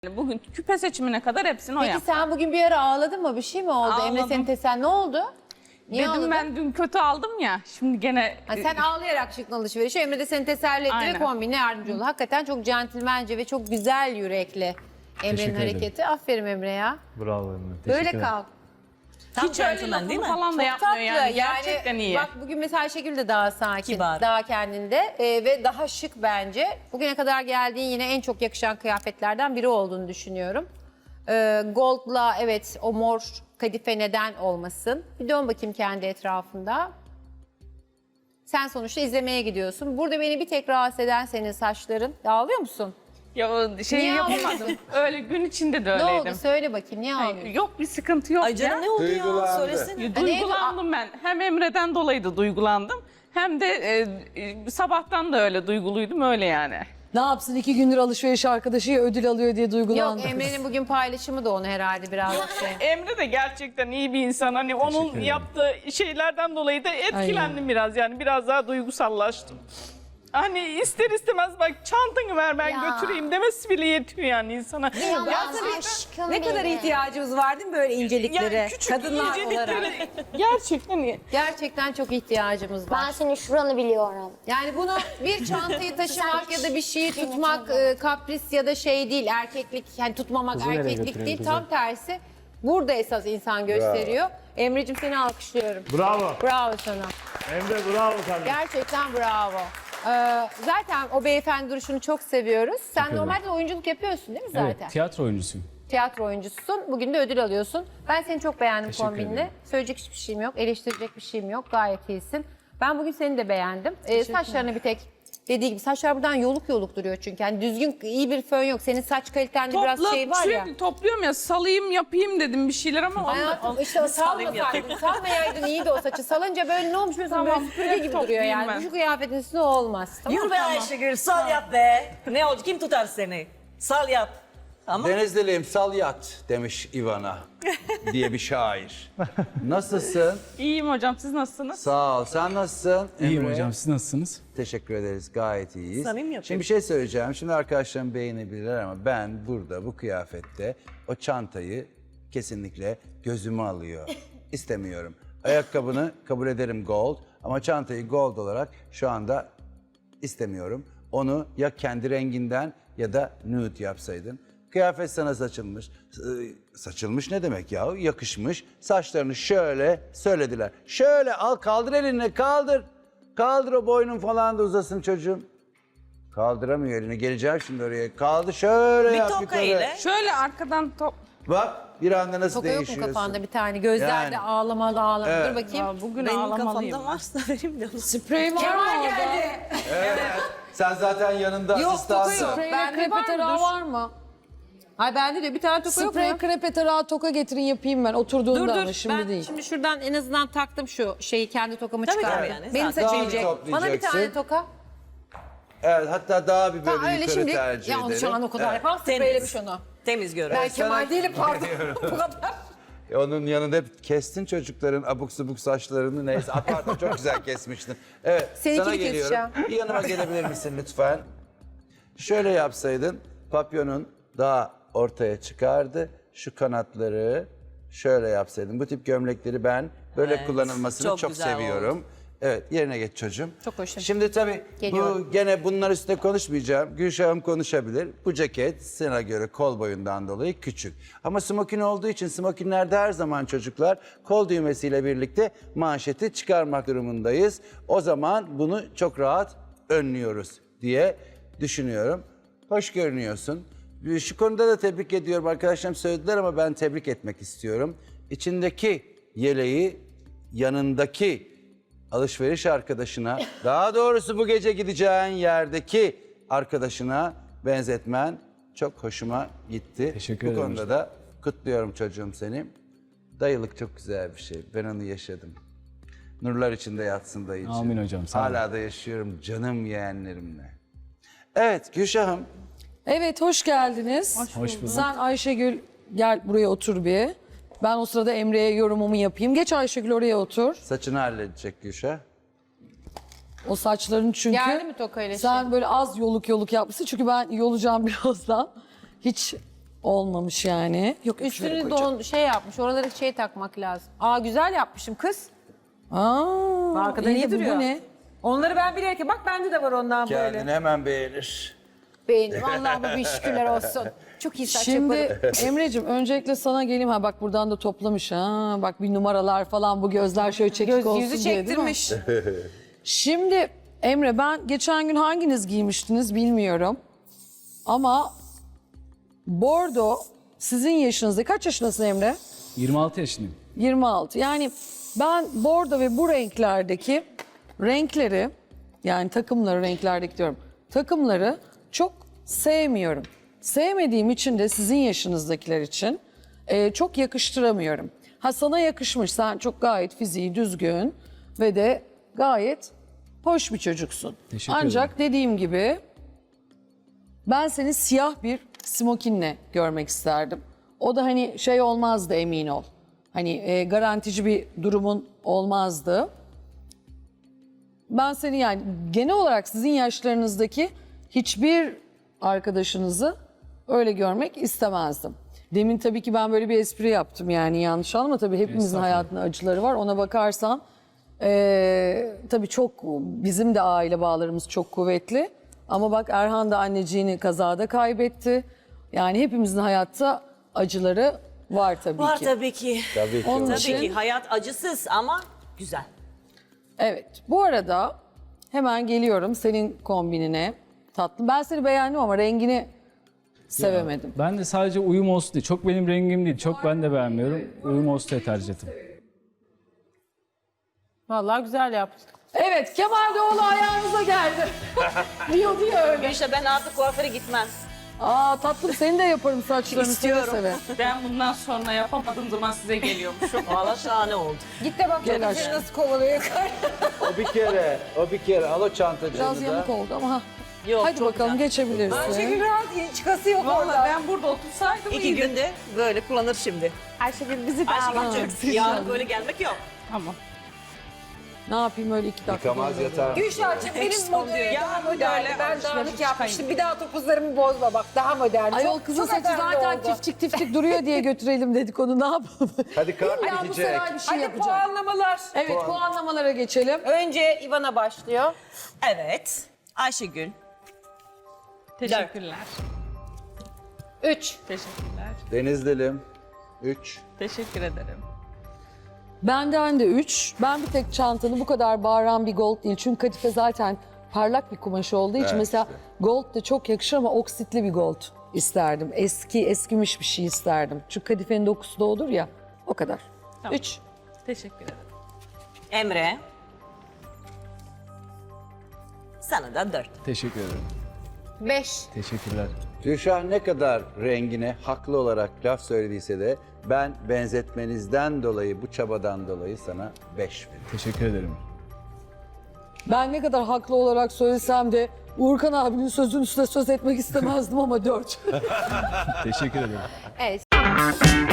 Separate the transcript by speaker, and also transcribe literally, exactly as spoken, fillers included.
Speaker 1: Bugün küpe seçimine kadar hepsini o
Speaker 2: Peki
Speaker 1: yaptı.
Speaker 2: sen bugün bir ara ağladın mı? Bir şey mi oldu?
Speaker 1: Ağladım.
Speaker 2: Emre senin tesen ne oldu? Niye
Speaker 1: Dedim
Speaker 2: ağladın?
Speaker 1: ben dün kötü aldım ya. Şimdi gene
Speaker 2: Ha, sen ağlayarak çıktın alışverişe. Emre de seni teselli etti
Speaker 1: Aynen.
Speaker 2: ve kombine yardımcı oldu. Hakikaten çok centilmence ve çok güzel yürekli Emre'nin
Speaker 3: Teşekkür ederim.
Speaker 2: hareketi. Aferin Emre ya.
Speaker 3: Bravo Emre.
Speaker 2: Böyle
Speaker 3: Teşekkür ederim.
Speaker 2: kal.
Speaker 4: Tam
Speaker 1: hiç öyle
Speaker 4: centilmen değil mi?
Speaker 1: lafını falan da
Speaker 2: Çok
Speaker 1: yapmıyor
Speaker 2: tatlı.
Speaker 1: yani. Gerçekten iyi.
Speaker 2: Bak bugün mesela Ayşegül de daha sakin,
Speaker 4: Kibar.
Speaker 2: daha kendinde e, ve daha şık bence. Bugüne kadar geldiğin yine en çok yakışan kıyafetlerden biri olduğunu düşünüyorum. E, Gold'la evet o mor kadife neden olmasın? Bir dön bakayım kendi etrafında. Sen sonuçta izlemeye gidiyorsun. Burada beni bir tek rahatsız eden senin saçların. Ağlıyor musun?
Speaker 1: Ya o şeyi
Speaker 2: Niye
Speaker 1: yapamadım. Öyle gün içinde de
Speaker 2: Ne
Speaker 1: öyleydim.
Speaker 2: oldu? Söyle bakayım. Niye
Speaker 1: Ay,
Speaker 2: ağlıyorsun?
Speaker 1: yok bir sıkıntı yok
Speaker 4: Ay
Speaker 1: ya.
Speaker 4: canım ne oldu ya?
Speaker 5: Duygulandı.
Speaker 4: Söylesene.
Speaker 1: Ya, Duygulandım ben. Hem Emre'den dolayı da duygulandım. Hem de e, e, sabahtan da öyle duyguluydum öyle yani.
Speaker 6: Ne yapsın iki gündür alışveriş arkadaşı ödül alıyor diye duygulandı.
Speaker 2: Yok Emre'nin bugün paylaşımı da onu herhalde biraz şey.
Speaker 1: Emre de gerçekten iyi bir insan. Hani onun
Speaker 3: ederim.
Speaker 1: yaptığı şeylerden dolayı da etkilendim biraz yani. Biraz daha duygusallaştım. Hani ister istemez bak çantanı ver ben götüreyim demesi bile yetiyor yani insana.
Speaker 4: Ne kadar ihtiyacımız var değil mi böyle inceliklere?
Speaker 1: Yani küçük
Speaker 4: Kadınlar olarak.
Speaker 1: inceliklere gerçekten iyi.
Speaker 2: Gerçekten çok ihtiyacımız var.
Speaker 7: Ben senin şuranı biliyorum.
Speaker 2: Yani bunu bir çantayı taşımak ya da bir şeyi tutmak e, kapris ya da şey değil, erkeklik, yani tutmamak
Speaker 3: Kızı nereye
Speaker 2: erkeklik
Speaker 3: götürüyorsun
Speaker 2: değil.
Speaker 3: kızı?
Speaker 2: Tam tersi burada esas insan gösteriyor. Emre'cim seni alkışlıyorum.
Speaker 3: Bravo.
Speaker 2: Bravo sana.
Speaker 3: Emre bravo kardeşim.
Speaker 2: Gerçekten bravo. Ee, zaten o beyefendi duruşunu çok seviyoruz. Sen
Speaker 3: ederim.
Speaker 2: normalde oyunculuk yapıyorsun değil mi zaten?
Speaker 3: Evet, tiyatro oyuncusuyum.
Speaker 2: Tiyatro oyuncususun. Bugün de ödül alıyorsun. Ben seni çok beğendim
Speaker 3: Teşekkür
Speaker 2: kombinle.
Speaker 3: ederim.
Speaker 2: Söyleyecek hiçbir şeyim yok. Eleştirecek bir şeyim yok. Gayet iyisin. Ben bugün seni de beğendim. Ee, saçlarını bir tek dediği gibi saçlar buradan yoluk yoluk duruyor çünkü. Yani düzgün iyi bir fön yok. Senin saç kalitende biraz
Speaker 1: Topla,
Speaker 2: şey var ya.
Speaker 1: sürekli topluyorum ya salayım yapayım dedim bir şeyler ama
Speaker 2: Hayatım işte o salmasaydın, salmayaydın iyiydi o saçı. Salınca böyle ne olmuş böyle
Speaker 1: Tamam,
Speaker 2: böyle süpürge
Speaker 1: hep
Speaker 2: gibi duruyor
Speaker 1: toplayayım
Speaker 2: yani.
Speaker 1: ben.
Speaker 2: Bu şu kıyafetin üstüne olmaz. Tamam mı?
Speaker 4: Yürü be Ayşegül sal yap be. Ne oldu kim tutar seni? Sal yap. Ama
Speaker 5: Denizliliyim sal yat demiş Ivana diye bir şair. Nasılsın?
Speaker 1: İyiyim hocam siz nasılsınız?
Speaker 5: Sağ ol. Sen nasılsın?
Speaker 3: İyiyim
Speaker 5: Emre?
Speaker 3: hocam, siz nasılsınız?
Speaker 5: Teşekkür ederiz. Gayet iyiyiz.
Speaker 4: Samimi yapıyor.
Speaker 5: Şimdi bir şey söyleyeceğim. Şimdi arkadaşlarım beğenebilirler ama ben burada bu kıyafette o çantayı kesinlikle gözüme alıyor. İstemiyorum. Ayakkabını kabul ederim gold ama çantayı gold olarak şu anda istemiyorum. Onu ya kendi renginden ya da nude yapsaydın. Kıyafet sana saçılmış. Ee, Saçılmış ne demek ya? Yakışmış. Saçlarını şöyle söylediler. Şöyle al kaldır elini kaldır. Kaldır o boynun falan da uzasın çocuğum. Kaldıramıyor elini. Geleceğim şimdi oraya. Kaldı şöyle
Speaker 4: bir
Speaker 5: yap
Speaker 4: toka
Speaker 5: yukarı.
Speaker 4: ile.
Speaker 1: Şöyle arkadan top...
Speaker 5: Bak bir anda nasıl
Speaker 2: Toka yok mu
Speaker 5: değişiyorsun.
Speaker 2: kafanda bir tane? Gözlerde
Speaker 5: Yani.
Speaker 2: ağlamalı ağlamalı.
Speaker 5: Evet.
Speaker 2: Dur bakayım.
Speaker 1: Ya bugün
Speaker 4: Benim
Speaker 1: ağlamalıyım.
Speaker 4: kafamda varsa vereyim de.
Speaker 6: Sprey var mı orada?
Speaker 5: Sen zaten yanında
Speaker 2: Yok toka
Speaker 5: asistansın.
Speaker 2: yok.
Speaker 6: Sprey
Speaker 2: Bende var mı?
Speaker 6: krepetera
Speaker 2: Dur.
Speaker 6: var mı?
Speaker 2: Ay bende de bir tane toka yok mu?
Speaker 6: Sprey krepetera toka getirin yapayım ben
Speaker 2: Dur
Speaker 6: oturduğunda ama
Speaker 2: dur.
Speaker 6: şimdi
Speaker 2: Ben
Speaker 6: değil.
Speaker 2: şimdi şuradan en azından taktım şu şeyi kendi tokamı
Speaker 4: Tabii,
Speaker 2: çıkardım.
Speaker 4: tabii yani,
Speaker 2: Benim
Speaker 4: zaten.
Speaker 2: saçım
Speaker 5: Daha bir
Speaker 2: yiyecek. Bana bir
Speaker 5: toplayacaksın.
Speaker 2: tane toka.
Speaker 5: Evet hatta daha bir böyle
Speaker 2: Tamam öyle
Speaker 5: yukarı
Speaker 2: şimdi.
Speaker 5: tercih
Speaker 2: Ya onu
Speaker 5: ederim.
Speaker 2: şu an o kadar
Speaker 5: Evet.
Speaker 2: yapamam. Spreylemiş onu.
Speaker 4: Temiz gör.
Speaker 2: Ben
Speaker 5: sana-
Speaker 2: Kemal değilim pardon. Bu kadar.
Speaker 5: E, Onun yanında hep kestin çocukların abuk subuk saçlarını neyse. Apartman çok güzel kesmiştin. Evet
Speaker 2: Seninkini
Speaker 5: sana geliyorum.
Speaker 2: keseceğim.
Speaker 5: Bir yanıma gelebilir misin lütfen? Şöyle yapsaydın papyonun daha ortaya çıkardı. Şu kanatları şöyle yapsaydın. Bu tip gömlekleri ben böyle
Speaker 4: Evet,
Speaker 5: kullanılmasını çok,
Speaker 4: çok güzel
Speaker 5: seviyorum. Evet yerine geç çocuğum.
Speaker 2: Çok hoşum.
Speaker 5: Şimdi tabii
Speaker 2: Geliyorum.
Speaker 5: bu gene bunlar üstüne konuşmayacağım. Gülşah'ım konuşabilir. Bu ceket sana göre kol boyundan dolayı küçük. Ama smokin olduğu için smokinlerde her zaman çocuklar kol düğmesiyle birlikte manşeti çıkarmak durumundayız. O zaman bunu çok rahat önlüyoruz diye düşünüyorum. Hoş görünüyorsun. Şu konuda da tebrik ediyorum. Arkadaşlarım söylediler ama ben tebrik etmek istiyorum. İçindeki yeleği yanındaki alışveriş arkadaşına, daha doğrusu bu gece gideceğin yerdeki arkadaşına benzetmen çok hoşuma gitti.
Speaker 3: Teşekkür
Speaker 5: bu
Speaker 3: ederim
Speaker 5: konuda
Speaker 3: hocam.
Speaker 5: da kutluyorum çocuğum seni. Dayılık çok güzel bir şey. Ben onu yaşadım. Nurlar içinde yatsın dayıcığım.
Speaker 3: Amin hocam, sağ olun.
Speaker 5: Hala da yaşıyorum canım yeğenlerimle. Evet Gülşah'ım.
Speaker 6: Evet hoş geldiniz.
Speaker 3: Hoş bulduk.
Speaker 6: Sen Ayşegül gel buraya otur bir. Ben o sırada Emre'ye yorumumu yapayım. Geç Ayşegül oraya otur.
Speaker 5: Saçını halledecek Gülşah.
Speaker 6: O saçların çünkü
Speaker 2: Geldi mi tokayla şey?
Speaker 6: sen böyle az yoluk yoluk yapmışsın. Çünkü ben yolacağım birazdan. Hiç olmamış yani. Yok şöyle
Speaker 2: Üstünü
Speaker 6: koyacağım.
Speaker 2: don şey yapmış. Oraları şey takmak lazım. Aa güzel yapmışım kız.
Speaker 6: Aa,
Speaker 2: Arkada
Speaker 6: iyi
Speaker 2: iyi
Speaker 6: de bu,
Speaker 2: duruyor.
Speaker 6: bu ne?
Speaker 2: Onları ben bilerek bak bende de var ondan
Speaker 5: Kendini
Speaker 2: böyle.
Speaker 5: hemen beğenir.
Speaker 2: Beğendim. Allah'ıma bir şükürler olsun. Çok iyi saç
Speaker 6: Şimdi
Speaker 2: yaparım.
Speaker 6: Emre'cim öncelikle sana geleyim. Ha bak buradan da toplamış. Ha bak bir numaralar falan bu gözler şöyle çekik
Speaker 2: Göz,
Speaker 6: olsun
Speaker 2: yüzü
Speaker 6: diye değil mi?
Speaker 2: çektirmiş.
Speaker 6: Şimdi Emre ben geçen gün hanginiz giymiştiniz bilmiyorum. Ama bordo sizin yaşınızda. Kaç yaşındasın Emre?
Speaker 3: yirmi altı yaşındayım.
Speaker 6: yirmi altı. Yani ben bordo ve bu renklerdeki renkleri yani takımları renklerdeki diyorum. Takımları çok sevmiyorum. Sevmediğim için de sizin yaşınızdakiler için e, çok yakıştıramıyorum. Ha sana yakışmış. Sen çok gayet fiziği düzgün ve de gayet hoş bir çocuksun.
Speaker 3: Teşekkür
Speaker 6: Ancak dediğim gibi ben seni siyah bir smokinle görmek isterdim. O da hani şey olmazdı emin ol. Hani e, garantici bir durumun olmazdı. Ben seni yani genel olarak sizin yaşlarınızdaki hiçbir arkadaşınızı öyle görmek istemezdim. Demin tabii ki ben böyle bir espri yaptım yani yanlış anlama. Tabii hepimizin
Speaker 3: Estağfurullah.
Speaker 6: hayatında acıları var. Ona bakarsan e, tabii çok bizim de aile bağlarımız çok kuvvetli. Ama bak Erhan da anneciğini kazada kaybetti. Yani hepimizin hayatta acıları var tabii
Speaker 4: Var
Speaker 6: ki.
Speaker 4: tabii ki.
Speaker 5: Tabii ki.
Speaker 6: Onun
Speaker 4: Tabii
Speaker 6: için-
Speaker 4: ki hayat acısız ama güzel.
Speaker 6: Evet. Bu arada hemen geliyorum senin kombinine. Tatlım. Ben seni beğendim ama rengini sevemedim.
Speaker 3: Ben de sadece uyum olsun diye. Çok benim rengim değil. Çok ben de beğenmiyorum. Uyum olsun diye tercih ettim.
Speaker 2: Vallahi güzel yaptın.
Speaker 6: Evet, Kemal Doğulu ayağımıza geldi. diyor diyor öyle.
Speaker 4: İşte ben artık kuaföre gitmem.
Speaker 6: Aa tatlım seni de yaparım saçlarını seve
Speaker 4: İstiyorum.
Speaker 6: seve.
Speaker 1: Ben bundan sonra yapamadığım zaman size geliyormuşum.
Speaker 4: Valla şahane oldu.
Speaker 2: Git de bak
Speaker 6: Gel
Speaker 2: seni
Speaker 6: aşkım.
Speaker 2: nasıl kovalıyor yukarı.
Speaker 5: O bir kere, o bir kere. Al o çantacığını
Speaker 6: Biraz
Speaker 5: da.
Speaker 6: yamuk oldu ama ha.
Speaker 4: Yok,
Speaker 6: Hadi
Speaker 4: çok
Speaker 6: bakalım
Speaker 4: güzel.
Speaker 6: geçebilirsin.
Speaker 2: Ayşegül rahat çıkası yok
Speaker 1: Vallahi
Speaker 2: orada.
Speaker 1: ben burada otursaydım
Speaker 4: İki
Speaker 1: iyiydi.
Speaker 4: günde böyle kullanır şimdi.
Speaker 2: Ayşegül bizi de
Speaker 4: Ayşegül'cüğüm yarın böyle gelmek yok.
Speaker 1: Tamam.
Speaker 6: Ne yapayım öyle iki dakika.
Speaker 5: Yıkamaz
Speaker 6: böyle.
Speaker 5: yatar.
Speaker 2: Gülşah'cığım benim
Speaker 4: Eksik
Speaker 2: modeli
Speaker 4: oluyor.
Speaker 2: daha
Speaker 1: Ya,
Speaker 2: modern.
Speaker 1: böyle
Speaker 2: Ben
Speaker 1: alışveriş
Speaker 2: dağınık yapmıştım.
Speaker 1: çıkayım.
Speaker 2: Bir daha topuzlarımı bozma bak daha modern.
Speaker 6: Ayol
Speaker 2: Çok-
Speaker 6: kızın
Speaker 2: çok
Speaker 6: saçı
Speaker 2: efendi
Speaker 6: zaten
Speaker 2: oldu.
Speaker 6: tiftik tiftik duruyor diye götürelim dedik onu ne yapalım.
Speaker 5: Hadi kart
Speaker 6: Ya bu
Speaker 5: bitecek.
Speaker 6: sefer bir şey
Speaker 2: Hadi
Speaker 6: yapacak.
Speaker 2: puanlamalar.
Speaker 6: Evet puanlamalara geçelim.
Speaker 2: Önce Ivana başlıyor.
Speaker 4: Evet. Ayşegül.
Speaker 1: Teşekkürler.
Speaker 2: Üç.
Speaker 1: Teşekkürler.
Speaker 5: Denizli'lim. Üç.
Speaker 1: Teşekkür ederim.
Speaker 6: Benden de üç. Ben bir tek çantanı bu kadar bağıran bir gold değil. Çünkü kadife zaten parlak bir kumaş olduğu için
Speaker 5: Evet,
Speaker 6: mesela
Speaker 5: işte.
Speaker 6: gold da çok yakışır ama oksitli bir gold isterdim. Eski, eskimiş bir şey isterdim. Çünkü kadifenin dokusu da olur ya. O kadar.
Speaker 1: Tamam.
Speaker 6: Üç.
Speaker 1: Teşekkür ederim.
Speaker 4: Emre. Sana da dört.
Speaker 3: Teşekkür ederim.
Speaker 2: Beş.
Speaker 3: Teşekkürler.
Speaker 5: Gülşah ne kadar rengine haklı olarak laf söylediyse de ben benzetmenizden dolayı, bu çabadan dolayı sana beş veriyorum.
Speaker 3: Teşekkür ederim.
Speaker 6: Ben ne kadar haklı olarak söylesem de Uğurkan abinin sözün üstüne söz etmek istemezdim ama dört.
Speaker 3: Teşekkür ederim.
Speaker 2: Evet.